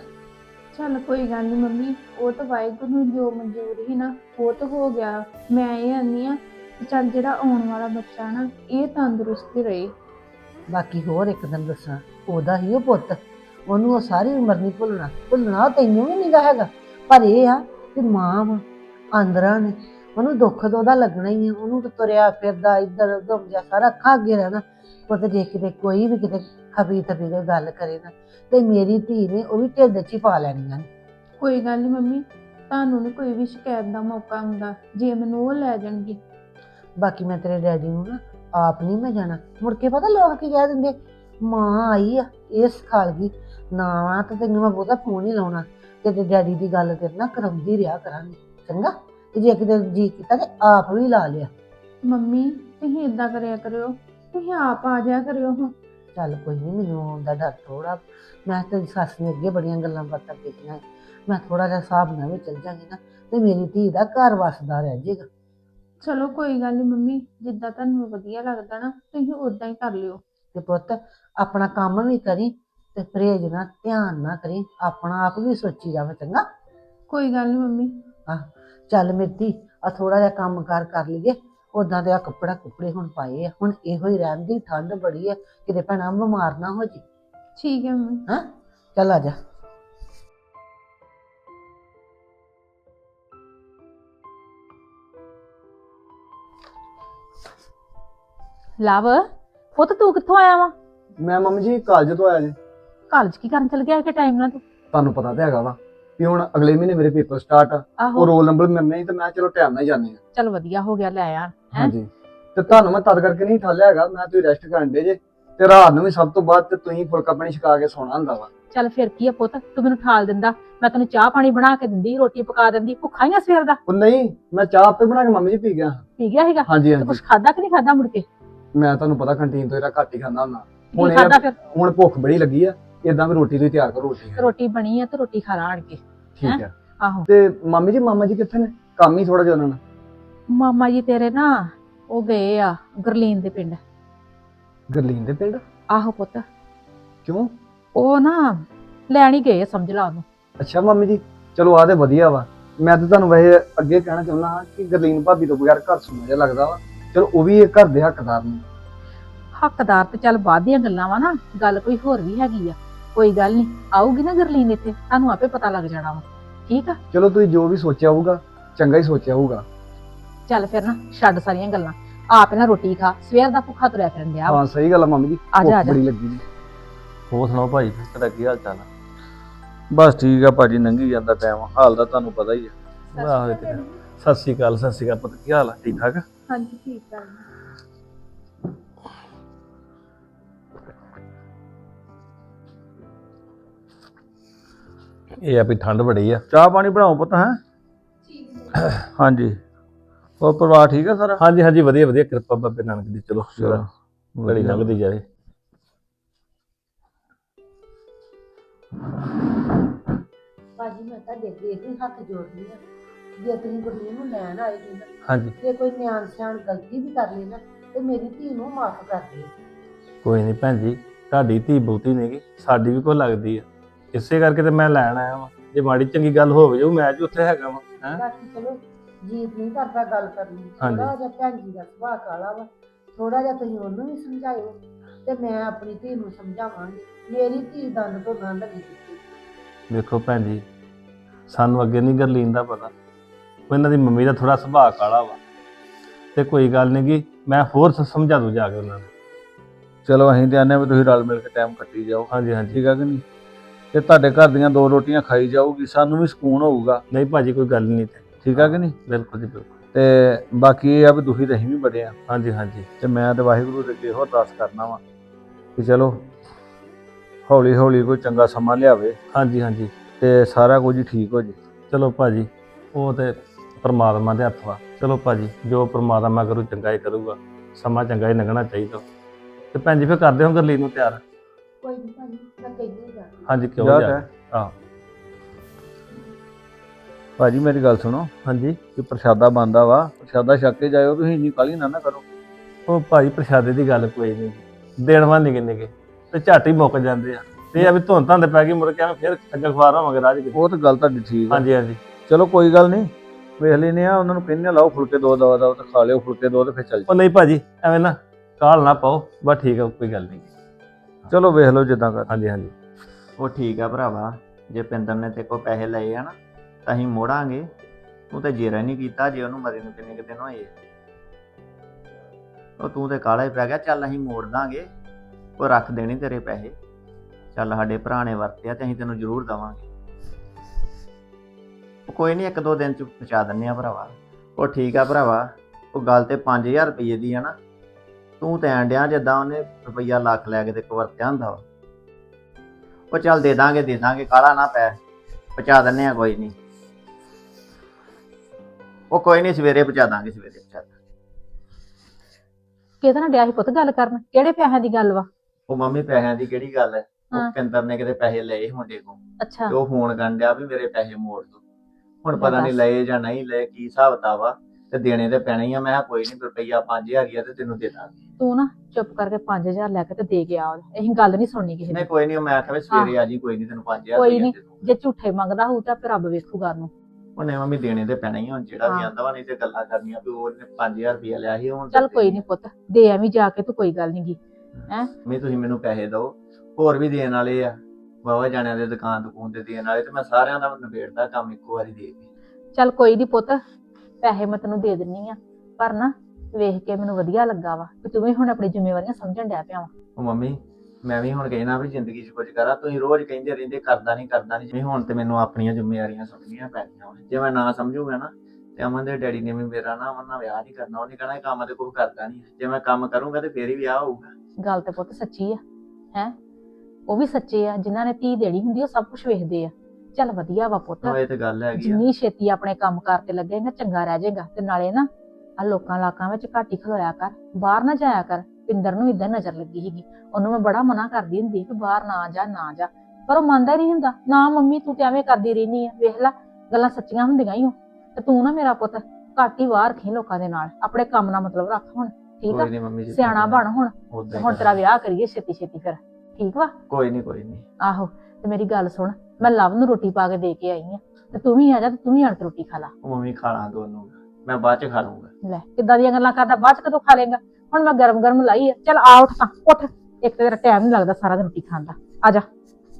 ਚੱਲ ਕੋਈ ਗੱਲ ਨਹੀਂ ਮੰਮੀ, ਉਹ ਤਾਂ ਵਾਹਿਗੁਰੂ ਨੂੰ ਜੋ ਮਨਜ਼ੂਰ ਸੀ ਨਾ ਉਹ ਤਾਂ ਹੋ ਗਿਆ। ਮੈਂ ਇਹ ਆਨੀ ਆ ਕਿ ਚੱਲ ਜਿਹੜਾ ਆਉਣ ਵਾਲਾ ਬੱਚਾ ਨਾ ਇਹ ਤੰਦਰੁਸਤ ਰਹੇ। ਬਾਕੀ ਹੋਰ ਇੱਕ ਦਿਨ ਦੱਸਾਂ, ਉਹਦਾ ਹੀ ਉਹ ਪੁੱਤ, ਉਹਨੂੰ ਉਹ ਸਾਰੀ ਉਮਰ ਨਹੀਂ ਭੁੱਲਣਾ। ਭੁੱਲਣਾ ਤੈਨੂੰ ਵੀ ਨਹੀਂਗਾ ਹੈਗਾ, ਪਰ ਇਹ ਆ ਕਿ ਮਾਂ ਵਾ, ਆਂਦਰਾਂ ਨੇ, ਉਹਨੂੰ ਦੁੱਖ ਤਾਂ ਉਹਦਾ ਲੱਗਣਾ ਹੀ ਆ। ਉਹਨੂੰ ਤਾਂ ਤੁਰਿਆ ਫਿਰਦਾ ਇੱਧਰ ਉੱਧਰ ਜਿਹਾ ਸਾਰਾ ਅੱਖਾਂ ਅੱਗੇ ਰਹਿਣਾ। ਪੁੱਤ ਜੇ ਕਿਤੇ ਕੋਈ ਵੀ ਕਿਤੇ ਖਬੀ ਤਬੀ ਕੋਈ ਗੱਲ ਕਰੇ ਨਾ, ਤੇ ਮੇਰੀ ਧੀ ਨੇ ਉਹ ਵੀ ਢਿੱਡ 'ਚ ਹੀ ਪਾ ਲੈਣੀਆਂ ਨੇ। ਕੋਈ ਗੱਲ ਨਹੀਂ ਮੰਮੀ, ਤੁਹਾਨੂੰ ਨੀ ਕੋਈ ਵੀ ਸ਼ਿਕਾਇਤ ਦਾ ਮੌਕਾ ਹੁੰਦਾ ਜੇ ਮੈਨੂੰ ਉਹ ਲੈ ਜਾਣਗੇ। ਬਾਕੀ ਮੈਂ ਤੇਰੇ ਡੈਡੀ ਨੂੰ ਨਾ ਆਪ ਨਹੀਂ ਮੈਂ ਜਾਣਾ। ਮੁੜ ਕੇ ਪਤਾ ਲੋਕ ਕੀ ਕਹਿ ਦਿੰਦੇ, ਮਾਂ ਆਈ ਆ ਇਹ ਸਿਖਾ ਲਗੀ ਨਾ ਆ ਤਾਂ ਤੈਨੂੰ ਮੈਂ ਬਹੁਤਾ ਫੋਨ ਹੀ ਲਾਉਣਾ ਤੇ ਡੈਡੀ ਦੀ ਗੱਲ ਤੇਰੇ ਨਾਲ ਕਰਾਉਂਦੀ ਰਿਹਾ ਕਰਾਂਗੀ ਚੰਗਾ। ਤੇ ਜੇ ਕਿਤੇ ਜੀ ਕੀਤਾ ਤੇ ਆਪ ਵੀ ਲਾ ਲਿਆ। ਮੰਮੀ ਤੁਸੀਂ ਇਦਾਂ ਕਰਿਆ ਕਰਿਓ, ਤੁਸੀਂ ਆਪ ਆ ਜਾਇਆ ਕਰਿਓ ਹੁਣ। ਚੱਲ ਕੋਈ ਨਹੀਂ, ਮੈਨੂੰ ਆਉਂਦਾ ਡਰ ਥੋੜਾ। ਮੈਂ ਤੇਰੀ ਸੱਸ ਨੇ ਅੱਗੇ ਬੜੀਆਂ ਗੱਲਾਂ ਬਾਤਾਂ ਕੀਤੀਆਂ, ਮੈਂ ਥੋੜਾ ਜਿਹਾ ਹਿਸਾਬ ਨਾਲ ਵੀ ਚੱਲ ਜਾਂਗੀ ਨਾ ਤੇ ਮੇਰੀ ਧੀ ਦਾ ਘਰ ਵਸਦਾ ਰਹਿ ਜਾਏਗਾ। ਚਲੋ ਕੋਈ ਗੱਲ ਨਹੀਂ ਮੰਮੀ, ਜਿੱਦਾਂ ਤੁਹਾਨੂੰ ਵਧੀਆ ਲੱਗਦਾ ਨਾ ਤੁਸੀਂ ਉਦਾਂ ਹੀ ਕਰ ਲਿਓ। ਤੇ ਪੁੱਤ ਆਪਣਾ ਕੰਮ ਵੀ ਕਰੀ ਤੇ ਪਰਹੇਜ ਨਾਲ ਧਿਆਨ ਨਾ ਕਰੀ, ਆਪਣਾ ਆਪ ਵੀ ਸੋਚੀ ਜਾਵੇ ਚੰਗਾ। ਕੋਈ ਗੱਲ ਨਹੀਂ ਮੰਮੀ। ਆਹ ਚੱਲ ਮੇਰੀ ਧੀ ਆ ਥੋੜਾ ਜਿਹਾ ਕੰਮ ਕਰ ਲਈਏ। ਉਦਾਂ ਦੇ ਆ ਕੁੱਪੜੇ ਹੁਣ ਪਾਏ ਆ, ਹੁਣ ਇਹੋ ਹੀ ਰਹਿਣ ਦੀ, ਠੰਡ ਬੜੀ ਆ, ਕਿਤੇ ਭੈਣਾ ਬਿਮਾਰ ਨਾ ਹੋ ਜੀ। ਠੀਕ ਹੈ ਮੰਮੀ। ਹਾਂ ਚੱਲ ਆ ਜਾ। ਲਵ ਪੁੱਤ ਤੂੰ ਕਿੱਥੋਂ ਆਇਆ ਵਾ? ਮੈਂ ਮੰਮੀ ਜੀ ਕਾਲਜ ਤੋਂ ਆਇਆ ਜੀ। ਕਾਲਜ ਕੀ ਕਰਨ ਚਲ ਗਿਆ ਕਿ ਟਾਈਮ ਨਾਲ ਤੂੰ? ਤੁਹਾਨੂੰ ਪਤਾ ਤਾਂ ਹੈਗਾ ਵਾ ਵੀ ਹੁਣ ਅਗਲੇ ਮਹੀਨੇ ਮੇਰੇ ਪੇਪਰ ਸਟਾਰਟ ਆ। ਆਹੋ ਉਹ ਰੋਲ ਨੰਬਰ ਮਿਲਣੇ ਸੀ ਤੇ ਮੈਂ ਚਲੋ ਟਾਈਮ ਨਾਲ ਹੀ ਜਾਂਦੇ ਆ। ਚਲ ਵਧੀਆ ਹੋ ਗਿਆ, ਲੈ ਯਾਰ। ਹਾਂਜੀ ਤੇ ਤੁਹਾਨੂੰ ਮੈਂ ਤਦ ਕਰਕੇ ਨਹੀਂ ਠਾਲਿਆ ਹੈਗਾ, ਮੈਂ ਤੁਸੀਂ ਰੈਸਟ ਕਰਨ ਦੇ ਜੇ ਤੇ ਰਾਤ ਨੂੰ ਵੀ ਸਭ ਤੋਂ ਬਾਅਦ ਤੇ ਤੁਸੀਂ ਫੁਲਕਾ ਪਾਣੀ ਛਕਾ ਕੇ ਸੌਣਾ ਹੁੰਦਾ ਵਾ। ਚੱਲ ਫਿਰ ਕੀ ਆ ਪੁੱਤ, ਤੂੰ ਮੈਨੂੰ ਠਾਲ ਦਿੰਦਾ, ਮੈਂ ਤੈਨੂੰ ਚਾਹ ਪਾਣੀ ਬਣਾ ਕੇ ਦਿੰਦੀ, ਰੋਟੀ ਪਕਾ ਦਿੰਦੀ। ਭੁੱਖਾ ਹੀ ਆ ਸਵੇਰ ਦਾ? ਉਹ ਨਹੀਂ, ਮੈਂ ਚਾਹ ਆਪੇ ਬਣਾ ਕੇ ਮੰਮੀ ਜੀ ਪੀ ਗਿਆ। ਪੀ ਗਿਆ ਸੀਗਾ? ਹਾਂਜੀ ਤੇ ਹਾਂਜੀ, ਕੁਝ ਖਾਦਾ ਕਿ ਨਹੀਂ ਖਾਦਾ ਮੁੜ ਕੇ? ਮੈਂ ਤੁਹਾਨੂੰ ਪਤਾ ਕੰਟੀਨ ਤੋਂ ਇਹਦਾ ਘੱਟ ਹੀ ਖਾਂਦਾ ਹੁੰਦਾ। ਹੁਣ ਕੀ ਖਾਦਾ ਫਿਰ? ਹੁਣ ਭੁੱਖ ਬੜੀ ਲੱਗੀ ਆ, ਇਦਾਂ ਵੀ ਰੋਟੀ ਤੁਸੀਂ ਤਿਆਰ ਕਰੋ। ਰੋਟੀ ਰੋਟੀ ਬਣੀ ਆ ਤੇ ਰੋਟੀ ਖਾ ਲਾ ਆਣ ਕੇ। ਠੀਕ ਆ। ਆਹੋ ਤੇ ਮਾਮਾ ਜੀ ਕਿੱਥੇ ਨੇ? ਕੰਮ ਹੀ ਥੋੜਾ ਜਿਹਾ ਉਹਨਾਂ ਨਾਲ। ਮਾਮਾ ਜੀ ਤੇਰੇ ਨਾ ਉਹ ਗਏ ਆ ਗਰਲੀਨ ਦੇ ਪਿੰਡ। ਗਰਲੀਨ ਦੇ ਪਿੰਡ? ਆਹੋ ਪੁੱਤ, ਕਿਉਂ? ਉਹ ਨਾ ਲੈਣ ਹੀ ਗਏ ਆ, ਸਮਝ ਲਾ ਉਹਨੂੰ। ਅੱਛਾ ਮੰਮੀ ਜੀ, ਚਲੋ ਆ ਤੇ ਵਧੀਆ ਵਾ। ਮੈਂ ਤਾਂ ਤੁਹਾਨੂੰ ਵੈਸੇ ਅੱਗੇ ਕਹਿਣਾ ਚਾਹੁੰਦਾ ਹਾਂ ਕਿ ਗਰਲੀਨ ਭਾਬੀ ਤੋਂ ਬਗੈਰ ਘਰ ਸੁਣਾ ਜਿਹਾ ਲੱਗਦਾ ਵਾ। ਚਲੋ ਉਹ ਵੀ ਇਹ ਘਰ ਦੇ ਹੱਕਦਾਰ ਨੇ। ਹੱਕਦਾਰ ਤੇ ਚੱਲ ਬਾਅਦ ਦੀਆਂ ਗੱਲਾਂ ਵਾ ਨਾ, ਗੱਲ ਕੋਈ ਹੋਰ ਵੀ ਹੈਗੀ ਆ। ਕੋਈ ਗੱਲ ਨਹੀਂ, ਆਊਗੀ ਨਾ ਗਰਲੀਨ ਇੱਥੇ, ਤੁਹਾਨੂੰ ਆਪੇ ਪਤਾ ਲੱਗ ਜਾਣਾ ਵਾ। ਠੀਕ ਆ? ਚਲੋ ਤੁਸੀਂ ਜੋ ਵੀ ਸੋਚਿਆ ਹੋਊਗਾ ਚੰਗਾ ਹੀ ਸੋਚਿਆ ਹੋਊਗਾ। ਚੱਲ ਫਿਰ ਨਾ ਛੱਡ ਸਾਰੀਆਂ ਗੱਲਾਂ, ਆਪ ਨਾ ਰੋਟੀ ਖਾ, ਸਵੇਰ ਦਾ ਭੁੱਖਾ ਤੁਰਿਆ ਫਿਰਨ ਡਿਆ ਵਾ। ਹਾਂ ਸਹੀ ਗੱਲ ਆ ਮੰਮੀ ਜੀ, ਆ ਜਾ, ਆ ਭੁੱਖ ਜਾ। ਬੜੀ ਲੱਗੀ ਜੀ। ਹੋਰ ਸੁਣਾਓ ਭਾਈ, ਤੁਹਾਡਾ ਕੀ ਹਾਲ ਚਾਲ ਆ? ਬਸ ਠੀਕ ਆ ਭਾਜੀ, ਲੰਘੀ ਜਾਂਦਾ ਟਾਈਮ, ਹਾਲ ਦਾ ਤੁਹਾਨੂੰ ਪਤਾ ਹੀ ਆ। ਆਹੋ ਇਹ ਤੇ ਹੈ। ਸਤਿ ਸ਼੍ਰੀ ਅਕਾਲ, ਸਤਿ ਸ਼੍ਰੀ ਅਕਾਲ ਪੁੱਤ, ਕੀ ਹਾਲ ਆ? ਠੀਕ ਠਾਕ? ਹਾਂਜੀ ਠੀਕ ਆ। ਇਹ ਆ ਵੀ ਠੰਡ ਬੜੀ ਆ। ਚਾਹ ਪਾਣੀ ਬਣਾਓ ਪੁੱਤ। ਹੈ ਹਾਂਜੀ, ਹੋਰ ਪਰਿਵਾਰ ਠੀਕ ਆ ਸਾਰਾ? ਹਾਂਜੀ ਹਾਂਜੀ, ਵਧੀਆ ਵਧੀਆ, ਕਿਰਪਾ ਬਾਬੇ ਨਾਨਕ ਦੀ। ਚਲੋ ਚਲੋ ਘੜੀ ਲੰਘਦੀ ਜਾਏ। ਭਾਜੀ ਮੈਂ ਤਾਂ ਅੱਗੇ ਇਹੀ ਹੱਥ ਜੋੜਦੀ ਆ, ਜੇ ਤੁਸੀਂ ਗੁਰਲੀਨ ਨੂੰ ਲੈਣ ਆਏ ਜੀ ਨਾ, ਹਾਂਜੀ ਜੇ ਕੋਈ ਨਿਆਣ ਸਿਆਣ ਗਲਤੀ ਵੀ ਕਰ ਲਈ ਨਾ ਤੇ ਮੇਰੀ ਧੀ ਨੂੰ ਮਾਫ ਕਰ ਦਿਓ। ਕੋਈ ਨਹੀਂ ਭੈਣ ਜੀ, ਤੁਹਾਡੀ ਧੀ ਬਹੁਤੀ ਨਹੀਂਗੀ, ਸਾਡੀ ਵੀ ਕੋਈ ਲੱਗਦੀ ਆ। ਇਸੇ ਕਰਕੇ ਤੇ ਮੈਂ ਲੈਣ ਆਇਆ ਵਾਂ। ਜੇ ਮਾੜੀ ਚੰਗੀ ਗੱਲ ਹੋਵੇ ਜੋ ਮੈਂ ਜੀ ਉੱਥੇ ਹੈਗਾ ਵਾਂ। ਹੈਂ? ਬਾਕੀ ਚਲੋ ਜੀਤ ਨਹੀਂ ਕਰਦਾ ਗੱਲ ਕਰਨੀ, ਹਾਂਜੀ। ਥੋੜਾ ਜਿਹਾ ਭੈਣ ਜੀ ਦਾ ਸੁਭਾਅ ਕਾਲਾ ਵਾ, ਥੋੜਾ ਜਿਹਾ ਤੁਸੀਂ ਉਹਨੂੰ ਵੀ ਸਮਝਾਇਓ ਤੇ ਮੈਂ ਆਪਣੀ ਧੀ ਨੂੰ ਸਮਝਾਵਾਂਗੀ। ਮੇਰੀ ਧੀ ਦੰਦ ਤੋਂ ਦੰਦ ਨਹੀਂ ਕੀਤੀ। ਵੇਖੋ ਭੈਣ ਜੀ, ਸਾਨੂੰ ਅੱਗੇ ਨਹੀਂ ਗਰਲੀਨ ਦਾ ਪਤਾ, ਉਹ ਇਹਨਾਂ ਦੀ ਮੰਮੀ ਦਾ ਥੋੜਾ ਸੁਭਾਅ ਕਾਲਾ ਵਾ। ਤੇ ਕੋਈ ਗੱਲ ਨਹੀਂ ਗੀ, ਮੈਂ ਹੋਰ ਸਮਝਾ ਦੂ ਜਾ ਕੇ ਉਹਨਾਂ ਨੂੰ। ਚਲੋ ਅਸੀਂ ਤੇ ਆਨੇ ਵੀ ਤੁਸੀਂ ਰਲ ਮਿਲ ਕੇ ਟਾਈਮ ਕੱਟੀ ਜਾਓ। ਹਾਂਜੀ ਹਾਂਜੀ। ਠੀਕ ਆ ਕਿ ਨਹੀਂ? ਤੇ ਤੁਹਾਡੇ ਘਰ ਦੀਆਂ 2 ਰੋਟੀਆਂ ਖਾਈ ਜਾਊਗੀ, ਸਾਨੂੰ ਵੀ ਸਕੂਨ ਹੋਊਗਾ। ਨਹੀਂ ਭਾਜੀ, ਕੋਈ ਗੱਲ ਨਹੀਂ ਤੇ। ਠੀਕ ਆ ਕਿ ਨਹੀਂ? ਬਿਲਕੁਲ ਜੀ ਬਿਲਕੁਲ। ਤੇ ਬਾਕੀ ਇਹ ਆ ਵੀ ਦੁਖੀ ਤਾਂ ਅਸੀਂ ਵੀ ਬੜੇ ਆ। ਹਾਂਜੀ ਹਾਂਜੀ। ਤੇ ਮੈਂ ਤੇ ਵਾਹਿਗੁਰੂ ਦੇ ਅੱਗੇ ਹੋਰ ਅਰਦਾਸ ਕਰਨਾ ਵਾ ਕਿ ਚਲੋ ਹੌਲੀ ਹੌਲੀ ਕੋਈ ਚੰਗਾ ਸਮਾਂ ਲਿਆਵੇ ਹਾਂਜੀ ਹਾਂਜੀ। ਤੇ ਸਾਰਾ ਕੁਝ ਹੀ ਠੀਕ ਹੋ ਜੇ। ਚਲੋ ਭਾਜੀ, ਉਹ ਤੇ ਪਰਮਾਤਮਾ ਦੇ ਹੱਥ ਵਾ। ਚਲੋ ਭਾਜੀ, ਜੋ ਪਰਮਾਤਮਾ ਕਰੂ ਚੰਗਾ ਹੀ ਕਰੂਗਾ, ਸਮਾਂ ਚੰਗਾ ਹੀ ਲੰਘਣਾ ਚਾਹੀਦਾ। ਤੇ ਭੈਣ ਜੀ ਫਿਰ ਕਰਦੇ ਹੋ ਗਰਲੀਨ ਨੂੰ ਤਿਆਰ? ਕੋਈ ਨਹੀਂ ਭਾਜੀ, ਮੈਂ ਕਹਿੰਦੀ ਜਾ ਹਾਂਜੀ, ਕਿਉਂ ਜਾ ਜਾ? ਤੈਂ। ਆਹ ਭਾਜੀ ਮੇਰੀ ਗੱਲ ਸੁਣੋ, ਹਾਂਜੀ। ਕਿ ਪ੍ਰਸ਼ਾਦਾ ਬਣਦਾ ਵਾ, ਪ੍ਰਸ਼ਾਦਾ ਛੱਕ ਕੇ ਜਾਇਓ, ਤੁਸੀਂ ਇੰਨੀ ਕਾਹਲੀ ਨਾ ਕਰੋ। ਉਹ ਭਾਜੀ ਪ੍ਰਸ਼ਾਦੇ ਦੀ ਗੱਲ ਕੋਈ ਨਹੀਂ, ਦੇਣ ਵਾਂ ਨਿੱਕੇ ਨਿੱਕੇ ਤੇ ਝੱਟ ਹੀ ਮੁੱਕ ਜਾਂਦੇ ਆ। ਤੇ ਇਹ ਆ ਵੀ ਧੁੰਦ ਧੰਦ ਪੈ ਗਈ, ਮੁੜ ਕੇ ਐਵੇਂ ਫਿਰ ਖੱਜਲ ਖਵਾਰ ਹੋਵਾਂਗੇ ਰਾਜ ਕੇ। ਉਹ ਤਾਂ ਗੱਲ ਤੁਹਾਡੀ ਠੀਕ ਆ। ਹਾਂਜੀ ਹਾਂਜੀ। ਚਲੋ ਕੋਈ ਗੱਲ ਨਹੀਂ, ਵੇਖ ਲੈਨੇ ਆ, ਉਹਨਾਂ ਨੂੰ ਕਹਿੰਦੇ ਆ ਲਾਓ ਫੁਲਕੇ 2 ਦਵਾ ਦਵਾ ਤੇ ਖਾ ਲਿਓ ਫੁਲਕੇ 2 ਤੇ ਫਿਰ ਚੱਲ ਉਹ ਨਹੀਂ ਭਾਜੀ, ਐਵੇਂ ਨਾ ਕਾਹਲ ਨਾ ਪਾਓ, ਬਸ ਠੀਕ ਆ, ਕੋਈ ਗੱਲ ਨਹੀਂ। ਚਲੋ ਵੇਖ ਲਓ ਜਿੱਦਾਂ ਕਰ। ਹਾਂਜੀ ਹਾਂਜੀ। ਉਹ ਠੀਕ ਆ ਭਰਾਵਾ, ਜੇ ਪਿੰਦਰ ਨੇ ਤੇ ਕੋ ਪੈਸੇ ਲਏ ਆ ਨਾ ਤਾਂ ਅਸੀਂ ਮੋੜਾਂਗੇ। ਤੂੰ ਤੇ ਜੇਰਾ ਨਹੀਂ ਕੀਤਾ, ਜੇ ਉਹਨੂੰ ਮਰੇ ਨੂੰ ਕਿੰਨੇ ਕੁ ਦਿਨ ਹੋਏ ਆ। ਉਹ ਤੂੰ ਤੇ ਕਾਲਾ ਹੀ ਪੈ ਗਿਆ। ਚੱਲ ਅਸੀਂ ਮੋੜ ਦਾਂਗੇ, ਉਹ ਰੱਖ ਦੇਣੇ ਤੇਰੇ ਪੈਸੇ। ਚੱਲ ਸਾਡੇ ਭਰਾ ਨੇ ਵਰਤਿਆ ਤੇ ਅਸੀਂ ਤੈਨੂੰ ਜ਼ਰੂਰ ਦੇਵਾਂਗੇ। ਉਹ ਕੋਈ ਨਹੀਂ, 1-2 ਦਿਨ ਚ ਪਹੁੰਚਾ ਦਿੰਨੇ ਆ ਭਰਾਵਾ। ਉਹ ਠੀਕ ਆ ਭਰਾਵਾ, ਉਹ ਗੱਲ ਤੇ 5000 ਰੁਪਏ ਦੀ ਆ ਨਾ। ਤੂੰ ਤੇ ਐਂ ਡਿਆ ਜਿੱਦਾਂ ਉਹਨੇ ਰੁਪਈਆ ਲੱਖ ਲੈ ਕੇ ਤੇ ਵਰਤਿਆ ਹੁੰਦਾ ਵਾ। ਉਹ ਚੱਲ ਦੇ ਦਾਂਗੇ ਕਾਲਾ ਨਾ ਪੈ, ਪਹੁੰਚਾ ਦਿੰਨੇ ਆ ਕੋਈ ਨਹੀਂ। ਉਹ ਕੋਈ ਨਹੀਂ ਸਵੇਰੇ ਪਹੁੰਚਾ ਦਾਂਗੇ ਕਿਹਦੇ ਨਾਲ ਡਿਆ ਸੀ ਪੁੱਤ ਗੱਲ ਕਰਨ? ਕਿਹੜੇ ਪੈਸਿਆਂ ਦੀ ਗੱਲ ਵਾ? ਉਹ ਮੰਮੀ ਪੈਸਿਆਂ ਦੀ ਕਿਹੜੀ ਗੱਲ ਹੈ, ਹਾਂ। ਉਹ ਪਿੰਦਰ ਨੇ ਕਿਤੇ ਪੈਸੇ ਲਏ ਮੁੰਡੇ ਕੋਲ ਅੱਛਾ ਤੇ ਉਹ ਫੋਨ ਕਰਨ ਡਿਆ ਵੀ ਮੇਰੇ ਪੈਸੇ ਮੋੜ ਦੋ। ਹੁਣ ਪਤਾ ਨਹੀਂ ਦੱਸ। ਲਏ ਜਾਂ ਨਹੀਂ ਲਏ, ਕੀ ਹਿਸਾਬ ਕਿਤਾਬ ਆ, ਤੇ ਦੇਣੇ ਤੇ ਪੈਣੇ ਹੀ ਆ। ਮੈਂ ਕਿਹਾ ਕੋਈ ਨਹੀਂ, ਰੁਪਈਆ 5000 ਹੀ ਆ ਤੇ ਤੈਨੂੰ ਦੇ ਦਾਂਗੇ। ਤੂੰ ਨਾ ਚੁੱਪ ਕਰਕੇ 5000 ਲੈ ਕੇ ਤੇ ਦੇ ਗਿਆ। ਅਸੀਂ ਗੱਲ ਨਹੀਂ ਸੁਣਨੀ ਕਿਸੇ ਨਹੀਂ ਦੀ। ਕੋਈ ਨਹੀਂ, ਮੈਂ ਆਖਿਆ ਵੀ ਸਵੇਰੇ ਆ ਜੀ, ਕੋਈ ਨਹੀਂ ਤੈਨੂੰ 5000 ਕੋਈ ਰੁਪਈਆ ਨੀ। ਦੇ ਦੂੰਗਾ। ਜੇ ਝੂਠੇ ਮੰਗਦਾ ਹੋਊ ਤਾਂ ਫਿਰ ਰੱਬ ਵੇਖੂਗਾ ਉਹਨੂੰ। ਉਹਨੇ ਮੰਮੀ ਦੇਣੇ ਤੇ ਪੈਣੇ ਹੀ, ਹੁਣ ਜਿਹੜਾ ਵੀ ਹਾਂ। ਆਂਦਾ ਵਾ, ਨਹੀਂ ਤੇ ਗੱਲਾਂ ਕਰਨੀਆਂ ਵੀ ਉਹਨੇ 5000 ਰੁਪਈਆ ਲਿਆ ਸੀ ਹੁਣ ਚੱਲ ਕੋਈ ਨਹੀਂ ਪੁੱਤ, ਦੇ ਐਵੇਂ ਜਾ ਕੇ ਤੂੰ, ਕੋਈ ਗੱਲ ਨੀ ਗੀ। ਮੰਮੀ ਤੁਸੀਂ ਮੈਨੂੰ ਪੈਸੇ ਦਿਓ, ਹੋਰ ਵੀ ਦੇਣ ਵਾਲੇ ਆ ਬਾਵਾ ਜਾਣਿਆਂ ਦੇ, ਦੁਕਾਨ ਤੇ ਦੇਣ ਵਾਲੇ, ਤੇ ਮੈਂ ਸਾਰਿਆਂ ਦਾ ਨਿਬੇੜਦਾ ਕੰਮ ਇੱਕੋ ਵਾਰੀ ਦੇ ਕੇ। ਚੱਲ ਕੋਈ ਨੀ ਪੁੱਤ, ਪੈਸੇ ਮੈਂ ਤੈਨੂੰ ਦੇ ਦਿੰਨੀ ਆ, ਪਰ ਨਾ ਵੇਖ ਕੇ ਮੈਨੂੰ ਵਧੀਆ ਲੱਗਾ ਵਾ ਕਿ ਤੂੰ ਵੀ ਹੁਣ ਆਪਣੀ ਜ਼ਿੰਮੇਵਾਰੀਆਂ ਸਮਝਣ ਡਿਆ ਪਿਆ ਵਾ। ਉਹ ਮੰਮੀ ਮੈਂ ਵੀ ਹੁਣ ਕਹਿਣਾ ਵੀ ਜ਼ਿੰਦਗੀ 'ਚ ਕੁਝ ਕਰਾਂ, ਤੁਸੀਂ ਰੋਜ਼ ਕਹਿੰਦੇ ਰਹਿੰਦੇ ਕਰਦਾ ਨਹੀਂ। ਹੁਣ ਤੇ ਮੈਨੂੰ ਆਪਣੀਆਂ ਜ਼ਿੰਮੇਵਾਰੀਆਂ ਸਮਝਣੀਆਂ ਪੈਣੀਆਂ ਵਾ। ਜੇ ਮੈਂ ਨਾ ਸਮਝੂਗਾ ਨਾ ਤੇ ਅਮਨ ਦੇ ਡੈਡੀ ਨੇ ਵੀ ਮੇਰਾ ਨਾ ਅਮਨ ਨਾਲ ਵਿਆਹ ਨਹੀਂ ਕਰਨਾ। ਉਹਨੇ ਕਹਿਣਾ ਇਹ ਕੰਮ ਤੇ ਕੁਝ ਕਰਦਾ ਨਹੀਂ, ਜੇ ਮੈਂ ਕੰਮ ਕਰੂੰਗਾ ਤੇ ਫੇਰ ਹੀ ਵਿਆਹ ਹੋਊਗਾ। ਗੱਲ ਤੇ ਪੁੱਤ ਸੱਚੀ ਆ, ਹੈ ਉਹ ਵੀ ਸੱਚੇ ਆ, ਜਿਨ੍ਹਾਂ ਨੇ ਧੀ ਦੇਣੀ ਹੁੰਦੀ ਉਹ ਸਭ ਕੁਝ ਵੇਖਦੇ ਆ। ਚੱਲ ਵਧੀਆ ਵਾ ਪੁੱਤ, ਇਹ ਤੇ ਗੱਲ ਹੈਗੀ ਆ। ਜਿੰਨੀ ਛੇਤੀ ਆਪਣੇ ਕੰਮ ਕਾਰ ਤੇ ਲੱਗੇਗਾ ਚੰਗਾ ਰਹਿ ਜਾਏਗਾ। ਤੇ ਨਾਲੇ ਨਾ ਆ ਲੋਕਾਂ ਲਾਕਾਂ ਵਿੱਚ ਘੱਟ ਹੀ ਖਲੋਇਆ ਕਰ, ਬਾਹਰ ਨਾ ਜਾਇਆ ਕਰ। ਪਿੰਦਰ ਨੂੰ ਇਦਾਂ ਨਜ਼ਰ ਲੱਗੀ ਸੀਗੀ, ਉਹਨੂੰ ਮੈਂ ਬੜਾ ਮਨਾ ਕਰਦੀ ਹੁੰਦੀ ਕਿ ਬਾਹਰ ਨਾ ਜਾ, ਪਰ ਉਹ ਮੰਨਦਾ ਨਹੀਂ ਹੁੰਦਾ। ਨਾ ਮੰਮੀ ਤੂੰ ਤੇ ਐਵੇਂ ਕਰਦੀ ਰਹਿਨੀ ਆ, ਵੇਖ ਲੈ ਗੱਲਾਂ ਸੱਚੀਆਂ ਹੁੰਦੀਆਂ ਹੀ ਹੋ। ਤੇ ਤੂੰ ਨਾ ਮੇਰਾ ਪੁੱਤ ਘੱਟ ਹੀ ਬਾਹਰ ਰੱਖੀ ਲੋਕਾਂ ਦੇ ਨਾਲ, ਆਪਣੇ ਕੰਮ ਨਾਲ ਮਤਲਬ ਰੱਖ ਹੁਣ, ਠੀਕ ਆ? ਕੋਈ ਨਹੀਂ ਮੰਮੀ ਜੀ, ਸਿਆਣਾ ਬਣ ਹੁਣ। ਓਦਾਂ ਤੇ ਹੀ ਹੁਣ ਤੇਰਾ ਵਿਆਹ ਕਰੀਏ ਛੇਤੀ ਛੇਤੀ ਫਿਰ, ਠੀਕ ਵਾ? ਕੋਈ ਨਹੀਂ। ਆਹੋ, ਤੇ ਮੇਰੀ ਗੱਲ ਸੁਣ, ਮੈਂ ਲਵ ਨੂੰ ਰੋਟੀ ਪਾ ਕੇ ਦੇ ਕੇ ਆਈ ਆ, ਤੇ ਤੂੰ ਵੀ ਆ ਜਾ, ਤੇ ਤੂੰ ਵੀ ਆਣ ਕੇ ਰੋਟੀ ਖਾ ਲਾ। ਉਹ ਮੰਮੀ ਖਾ ਲਾਂ ਦੋਨੋਂ, ਮੈਂ ਬਾਅਦ ਚ ਖਾ ਲੂੰਗਾ। ਲੈ ਕਿੱਦਾਂ ਦੀਆਂ ਗੱਲਾਂ ਕਰਦਾ, ਬਾਅਦ ਚ ਕਦੋਂ ਖਾ ਲੇਗਾ? ਹੁਣ ਮੈਂ ਗਰਮ ਗਰਮ ਲਾਈ ਆ, ਚੱਲ ਆ ਉੱਠ ਤਾਂ ਉੱਠ, ਇੱਕ ਤੇ ਤੇਰਾ ਟਾਈਮ ਨਹੀਂ ਲੱਗਦਾ ਸਾਰਾ ਦਿਨ ਰੋਟੀ ਖਾਣ ਦਾ। ਆ ਜਾ।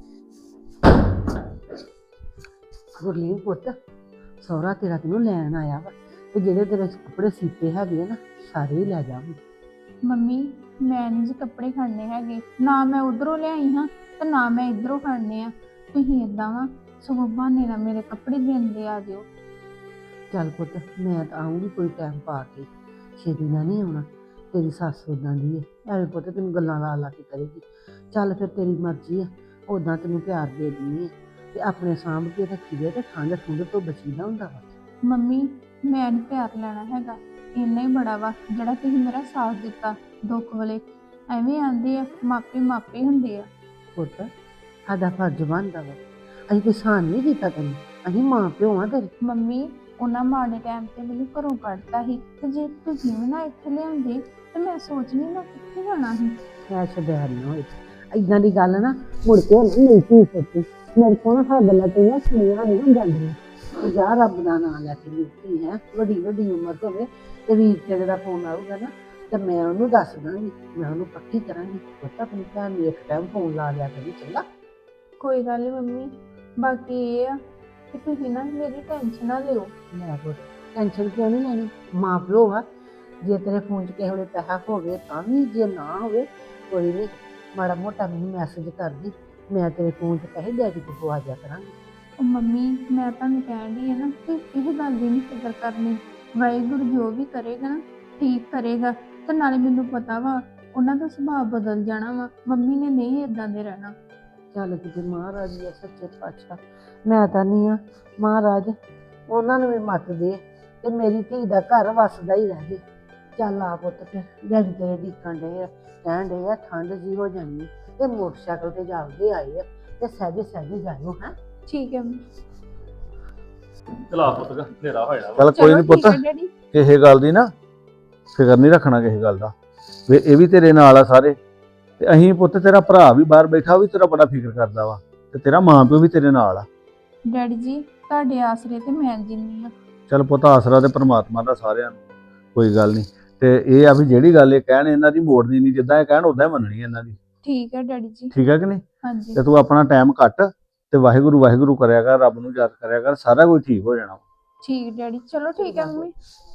ਗੁਰਲੀਨ ਪੁੱਤ, ਸਹੁਰਾ ਤੇਰਾ ਤੈਨੂੰ ਲੈਣ ਆਇਆ ਵਾ, ਤੇ ਜਿਹੜੇ ਤੇਰੇ ਕੱਪੜੇ ਸੀਤੇ ਹੈਗੇ ਆ ਨਾ, ਸਾਰੇ ਹੀ ਲੈ ਜਾ। ਮੰਮੀ ਮੈਂ ਨਹੀਂ ਜੀ ਕੱਪੜੇ ਖੜਨੇ ਹੈਗੇ, ਨਾ ਮੈਂ ਉਧਰੋਂ ਲਿਆਈ ਹਾਂ ਤੇ ਨਾ ਮੈਂ ਇਧਰੋਂ ਖੜਨੇ ਆ। ਤੁਸੀਂ ਏਦਾਂ ਵਾ ਸਗੋਂ ਬਹਾਨੇ ਨਾਲ ਮੇਰੇ ਕੱਪੜੇ ਦੇਂਦੇ ਆ ਜਿਓ। ਚੱਲ ਪੁੱਤ, ਮੈਂ ਤਾਂ ਆਉਂਗੀ ਕੋਈ ਟਾਈਮ ਪਾ ਕੇ, ਛੇਤੀ ਨਾਲ ਨਹੀਂ ਆਉਣਾ। ਤੇਰੀ ਸੱਸ ਉਦਾਂ ਦੀ ਹੈ, ਐਵੇਂ ਪੁੱਤ ਤੈਨੂੰ ਗੱਲਾਂ ਲਾ ਕੇ ਕਰੇਗੀ। ਚੱਲ ਫਿਰ ਤੇਰੀ ਮਰਜ਼ੀ ਆ, ਉਦਾਂ ਤੈਨੂੰ ਪਿਆਰ ਦੇ ਦਿੰਦੀ ਹੈ, ਤੇ ਆਪਣੇ ਸਾਂਭ ਕੇ ਰੱਖੀਏ, ਤੇ ਠੰਡ ਤੋਂ ਬਚੀਦਾ ਹੁੰਦਾ ਵਾ। ਮੰਮੀ ਮੈਂ ਨੀ ਪਿਆਰ ਲੈਣਾ ਹੈਗਾ, ਇੰਨਾ ਹੀ ਬੜਾ ਵਾ ਜਿਹੜਾ ਤੁਸੀਂ ਮੇਰਾ ਸਾਥ ਦਿੱਤਾ ਦੁੱਖ ਵੇਲੇ। ਐਵੇਂ ਆਂਦੇ ਆ ਮਾਪੇ ਹੁੰਦੇ ਆ। ਪੁੱਤ ਸਾਡਾ ਫਰਜ਼ ਬਣਦਾ ਵਾ, ਅਸੀਂ ਕੋਈ ਸਾਨ ਨਹੀਂ ਕੀਤਾ ਤੈਨੂੰ, ਅਸੀਂ ਮਾਂ ਪਿਓ ਆ ਤੇਰੇ। ਮੰਮੀ ਉਹਨਾਂ ਮਾੜੇ ਟਾਈਮ ਤੇ ਮੈਨੂੰ ਘਰੋਂ ਕੱਢਤਾ ਸੀ, ਤੇ ਜੇ ਤੁਸੀਂ ਵੀ ਨਾ ਇੱਥੇ ਲਿਆਉਂਦੇ ਤੇ ਮੈਂ ਸੋਚਣੀ ਮੈਂ ਕਿੱਥੇ ਜਾਣਾ ਸੀ। ਐ ਸ਼ਬੈਰ ਨਾ ਹੋਏ, ਏਦਾਂ ਦੀ ਗੱਲ ਨਾ ਮੁੜ ਕੇ ਨਹੀਂ ਕੀ ਸੋਚੀ। ਮੇਰੇ ਕੋਲ ਨਾ ਹਾਂ ਗੱਲਾਂ ਤੇਰੀਆਂ ਸੁਣੀਆਂ ਨਹੀਂ ਜਾਂਦੀਆਂ। ਜਾ ਰੱਬ ਦਾ ਨਾਂ ਲੈ ਕੇ ਮਿਲਦੀ ਹੈ, ਵੱਡੀ ਉਮਰ ਹੋਵੇ ਤੇ ਵੀਰ ਤੇਰੇ ਦਾ ਫੋਨ ਆਊਗਾ ਨਾ, ਤੇ ਮੈਂ ਉਹਨੂੰ ਦੱਸ ਦਾਂਗੀ, ਮੈਂ ਉਹਨੂੰ ਪੱਕੀ ਕਰਾਂਗੀ। ਪੁੱਤ ਆਪਣੀ ਭੈਣ ਨੂੰ ਇੱਕ ਟਾਈਮ ਫੋਨ ਲਾ ਲਿਆ ਕਰੀ, ਚੰਗਾ? ਕੋਈ ਗੱਲ ਨਹੀਂ ਮੰਮੀ, ਬਾਕੀ ਇਹ ਆ ਕਿ ਤੁਸੀਂ ਨਾ ਮੇਰੀ ਟੈਨਸ਼ਨ ਨਾ ਲਿਓ। ਲੈ ਪੁੱਤ ਟੈਨਸ਼ਨ ਕਿਉਂ ਨਹੀਂ ਲੈਣੀ, ਮਾਂ ਪਿਓ ਆ। ਜੇ ਤੇਰੇ ਫੋਨ 'ਚ ਕਿਸੇ ਵੇਲੇ ਪੈਸਾ ਹੋਵੇ ਤਾਂ ਵੀ, ਜੇ ਨਾ ਹੋਵੇ ਕੋਈ ਨਹੀਂ, ਮਾੜਾ ਮੋਟਾ ਮੈਨੂੰ ਮੈਸੇਜ ਕਰਦੀ, ਮੈਂ ਤੇਰੇ ਫੋਨ 'ਚ ਪੈਸੇ ਡੈਡੀ ਕੋਲ ਪਵਾ ਦਿਆ ਕਰਾਂਗੀ। ਉਹ ਮੰਮੀ ਮੈਂ ਤੁਹਾਨੂੰ ਕਹਿਣ ਡਈ ਆ ਨਾ ਕਿ ਇਹ ਗੱਲ ਦੀ ਨਹੀਂ ਫਿਕਰ ਕਰਨੀ, ਵਾਹਿਗੁਰੂ ਜੋ ਵੀ ਕਰੇਗਾ ਨਾ ਠੀਕ ਕਰੇਗਾ। ਤੇ ਨਾਲੇ ਮੈਨੂੰ ਪਤਾ ਵਾ ਉਹਨਾਂ ਦਾ ਸੁਭਾਅ ਬਦਲ ਜਾਣਾ ਵਾ, ਮੰਮੀ ਨੇ ਨਹੀਂ ਇਦਾਂ ਦੇ ਰਹਿਣਾ। ਚੱਲ ਕਿਤੇ ਮਹਾਰਾਜ ਜੀ ਸੱਚੇ ਪਾਤਸ਼ਾਹ, ਮੈਂ ਤਾਂ ਨਹੀਂ ਆ ਮਹਾਰਾਜ ਉਹਨਾਂ ਨੂੰ ਵੀ ਮੱਤ ਦੇ, ਤੇ ਮੇਰੀ ਧੀ ਦਾ ਘਰ ਵਸਦਾ ਹੀ ਰਹਿ ਜੇ। ਚੱਲ ਆ ਪੁੱਤ, ਫਿਰ ਡੈਡੀ ਤੇਰੇ ਡੀਕਣ ਡੇ ਆ, ਕਹਿਣ ਡੇ ਆ ਠੰਡ ਜੀ ਹੋ ਜਾਣੀ, ਤੇ ਮੋਟਰਸਾਈਕਲ ਤੇ ਜਾਂਦੇ ਆਏ ਆ, ਤੇ ਸਹਿਜੇ ਜਾਇਓ। ਹੈ ਠੀਕ ਹੈ ਚਲਾ ਪੁੱਤ ਹਨੇਰਾ ਹੋਇਆ ਵਾ। ਚੱਲ ਕੋਈ ਨਹੀਂ ਪੁੱਤ, ਡੈਡੀ। ਕਿਸੇ ਗੱਲ ਦੀ ਨਾ ਫਿਕਰ ਨਹੀਂ ਰੱਖਣਾ ਕਿਸੇ ਗੱਲ ਦਾ, ਵੀ ਇਹ ਵੀ ਤੇਰੇ ਨਾਲ ਆ ਸਾਰੇ। ਤੇ ਅਸੀਂ ਪੁੱਤ, ਤੇਰਾ ਭਰਾ ਵੀ ਬਾਹਰ ਬੈਠਾ, ਉਹ ਵੀ ਤੇਰਾ ਬੜਾ ਫਿਕਰ ਕਰਦਾ ਵਾ, ਤੇ ਤੇਰਾ ਮਾਂ ਪਿਓ ਵੀ ਤੇਰੇ ਨਾਲ ਆ। ਡੈਡੀ ਜੀ ਤੁਹਾਡੇ ਆਸਰੇ ਤੇ ਮੈਂ ਜਿੰਨੀ ਆ। ਚੱਲ ਪੁੱਤ, ਆਸਰਾ ਤੇ ਪ੍ਰਮਾਤਮਾ ਦਾ ਸਾਰਿਆਂ ਨੂੰ, ਕੋਈ ਗੱਲ ਨਹੀਂ। ਤੇ ਇਹ ਆ ਵੀ ਜਿਹੜੀ ਗੱਲ ਇਹ ਕਹਿਣ, ਇਹਨਾਂ ਦੀ ਮੋੜਨੀ ਨਹੀਂ, ਜਿੱਦਾਂ ਇਹ ਕਹਿਣ ਉਦਾਂ ਹੀ ਮੰਨਣੀ ਇਹਨਾਂ ਦੀ। ਠੀਕ ਹੈ ਡੈਡੀ ਜੀ। ਠੀਕ ਹੈ ਕਿ ਨਹੀਂ? ਹਾਂਜੀ ਤੇ ਤੂੰ ਆਪਣਾ ਟਾਈਮ ਕੱਟ ਤੇ ਵਾਹਿਗੁਰੂ ਕਰਿਆ ਕਰ, ਰੱਬ ਨੂੰ ਯਾਦ ਕਰਿਆ ਕਰ, ਸਾਰਾ ਕੁਝ ਠੀਕ ਹੋ ਜਾਣਾ। ਠੀਕ ਡੈਡੀ, ਚਲੋ ਠੀਕ ਹੈ ਮੰਮੀ।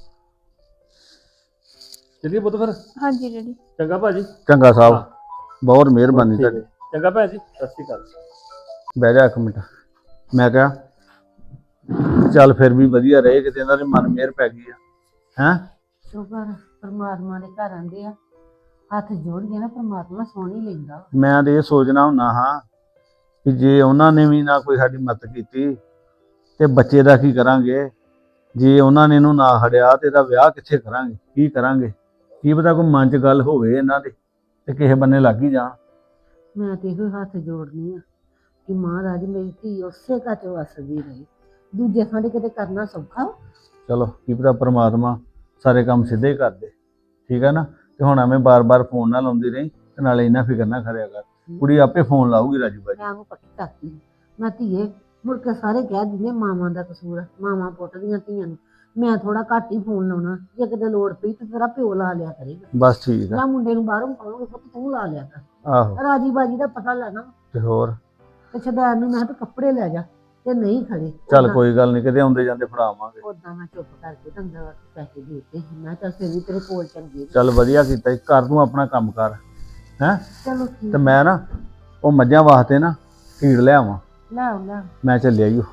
ਚੱਲੀਏ ਪੁੱਤ ਫਿਰ। ਹਾਂਜੀ ਡੈਡੀ। ਚੰਗਾ ਭਾਜੀ। ਚੰਗਾ ਸਾਹਿਬ, ਬਹੁਤ ਮਿਹਰਬਾਨੀ ਤੁਹਾਡੀ। ਚੰਗਾ ਭੈਣ ਜੀ, ਸਤਿ ਸ਼੍ਰੀ ਅਕਾਲ। ਬਹਿ ਜਾ ਇੱਕ ਮਿੰਟ। ਮੈਂ ਕਿਹਾ ਚੱਲ ਫਿਰ ਵੀ ਵਧੀਆ ਰਹੇ, ਕਿਤੇ ਇਹਨਾਂ ਦੇ ਮਨ ਮਿਹਰ ਪੈ ਗਈ ਆ। ਹੈਂ ਸ਼ੁਕਰ ਪਰਮਾਤਮਾ ਦੇ ਘਰ ਆਂਦੇ ਆ, ਹੱਥ ਜੋੜ ਕੇ ਨਾ ਪਰਮਾਤਮਾ ਸੁਣ ਹੀ ਲੈਂਦਾ। ਮੈਂ ਤੇ ਇਹ ਸੋਚਣਾ ਹੁੰਦਾ ਹਾਂ ਕਿ ਜੇ ਉਹਨਾਂ ਨੇ ਵੀ ਨਾ ਕੋਈ ਸਾਡੀ ਮਦਦ ਕੀਤੀ ਤੇ ਬੱਚੇ ਦਾ ਕੀ ਕਰਾਂਗੇ। ਜੇ ਉਹਨਾਂ ਨੇ ਇਹਨੂੰ ਨਾ ਹੜਿਆ ਤੇ ਇਹਦਾ ਵਿਆਹ ਕਿੱਥੇ ਕਰਾਂਗੇ, ਕੀ ਕਰਾਂਗੇ। ਕੀ ਪਤਾ ਕੋਈ ਮਨ 'ਚ ਗੱਲ ਹੋਵੇ ਇਹਨਾਂ ਦੇ ਤੇ ਕਿਸੇ ਬੰਨੇ ਲੱਗ ਹੀ ਜਾਣ। ਮੈਂ ਤੇ ਇਹੋ ਹੱਥ ਜੋੜਨੀ ਆ ਕਿ ਮਹਾਰਾਜ ਮੇਰੀ ਧੀ ਉਸੇ ਘਰ 'ਚ ਵਸਦੀ ਰਹੇ। ਦੂਜੇ ਥਾਂ ਤੇ ਕਿਤੇ ਕਰਨਾ ਸੌਖਾ ਵਾ। ਚਲੋ ਕੀ ਪਤਾ ਪ੍ਰਮਾਤਮਾ ਸਾਰੇ ਕੰਮ ਸਿੱਧੇ ਹੀ ਕਰ ਦੇ, ਠੀਕ ਆ ਨਾ। ਤੇ ਹੁਣ ਐਵੇਂ ਬਾਰ-ਬਾਰ ਫੋਨ ਨਾ ਲਾਉਂਦੀ ਰਹੀ ਤੇ ਨਾਲੇ ਇੰਨਾ ਫਿਕਰ ਨਾ ਕਰਿਆ ਕਰ। ਕੁੜੀ ਆਪੇ ਫੋਨ ਲਾਊਗੀ ਰਾਜੂ ਬਾਜੀ। ਮੈਂ ਉਹ ਪੱਕੀ ਕਰਤੀ ਮੈਂ ਧੀਏ ਮੁੜ ਕੇ ਸਾਰੇ ਕਹਿ ਦਿੰਦੇ ਮਾਵਾਂ ਦਾ ਕਸੂਰ ਆ, ਮਾਵਾਂ ਪੁੱਟਦੀਆਂ ਧੀਆਂ ਨੂੰ। ਮੈਂ ਥੋੜਾ ਘੱਟ ਹੀ ਫੋਨ ਲਾਉਣਾ, ਜੇ ਕਿਤੇ ਲੋੜ ਪਈ ਤੇ ਤੇਰਾ ਪਿਓ ਲਾ ਲਿਆ ਕਰੇਗਾ ਬਸ ਠੀਕ ਆ। ਜਾਂ ਮੁੰਡੇ ਨੂੰ ਬਾਹਰੋਂ ਕਹੋਗੇ ਪੁੱਤ ਤੂੰ ਲਾ ਲਿਆ ਕਰ। ਆਹੋ ਰਾਜੀ ਬਾਜੀ ਦਾ ਪਤਾ ਲੈਣਾ ਤੇ ਹੋਰ ਤੇ ਸ਼ਦੈਨ ਨੂੰ ਮੈਂ ਕਿਹਾ ਤੂੰ ਕੱਪੜੇ ਲੈ ਜਾ ਤੇ ਨਹੀਂ ਖੜੇ। ਚੱਲ ਕੋਈ ਗੱਲ ਨਹੀਂ, ਕਿਤੇ ਆਉਂਦੇ ਜਾਂਦੇ ਫੜਾਵਾਂਗੇ। ਉਦਾਂ ਮੈਂ ਚੁੱਪ ਕਰਕੇ ਦੰਦਾ ਪੈਸੇ ਦੇ ਦਿੱਤੇ ਸੀ। ਮੈਂ ਕਿਹਾ ਚੱਲ ਫਿਰ ਵੀ ਤੇਰੇ ਕੋਲ ਚੰਗੇ ਨੇ। ਚੱਲ ਵਧੀਆ ਕੀਤਾ ਈ। ਕਰ ਤੂੰ ਆਪਣਾ ਕੰਮ ਕਰ ਹੈਂ। ਚਲੋ ਠੀਕ ਤੇ ਮੈਂ ਨਾ ਉਹ ਮੱਝਾਂ ਵਾਸਤੇ ਨਾ ਫੀਡ ਲਿਆਵਾਂ, ਲੈ ਆਓ, ਲੈ ਆਓ। ਮੈਂ ਚੱਲਿਆ ਈ ਓ।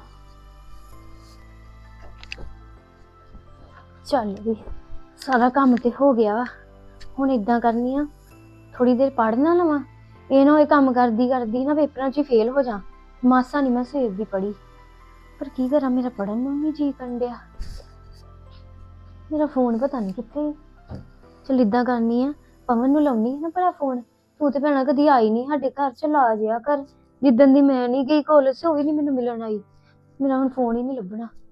ਚੱਲ ਵੀ ਸਾਰਾ ਕੰਮ ਤੇ ਹੋ ਗਿਆ ਵਾ। ਹੁਣ ਇਦਾਂ ਕਰਨੀ ਆ, ਥੋੜੀ ਦੇਰ ਪੜ੍ਹ ਨਾ ਲਵਾਂ। ਇਹ ਨਾ ਹੋਏ ਕੰਮ ਕਰਦੀ ਕਰਦੀ ਨਾ ਪੇਪਰਾਂ 'ਚ ਹੀ ਫੇਲ ਹੋ ਜਾ। ਮਾਸਾ ਨਹੀਂ ਮੈਂ ਸਵੇਰ ਦੀ ਪੜ੍ਹੀ, ਪਰ ਕੀ ਕਰਾਂ ਮੇਰਾ ਪੜ੍ਹਨ ਨੂੰ ਨਹੀਂ ਜੀ ਕਰਨ ਡਿਆ। ਮੇਰਾ ਫੋਨ ਪਤਾ ਨਹੀਂ ਕਿੱਥੇ। ਚੱਲ ਇਦਾਂ ਕਰਨੀ ਆ, ਪਵਨ ਨੂੰ ਲਾਉਣੀ ਨਾ ਭਲਾ ਫੋਨ। ਤੂੰ ਤੇ ਭੈਣਾ ਕਦੀ ਆਈ ਨਹੀਂ ਸਾਡੇ ਘਰ, ਚ ਲਾ ਜਿਆ ਕਰ। ਜਿੱਦਣ ਦੀ ਮੈਂ ਨਹੀਂ ਗਈ ਕਾਲਜ, ਉਹ ਵੀ ਨਹੀਂ ਮੈਨੂੰ ਮਿਲਣ ਆਈ। ਮੇਰਾ ਹੁਣ ਫੋਨ ਹੀ ਨਹੀਂ ਲੱਭਣਾ।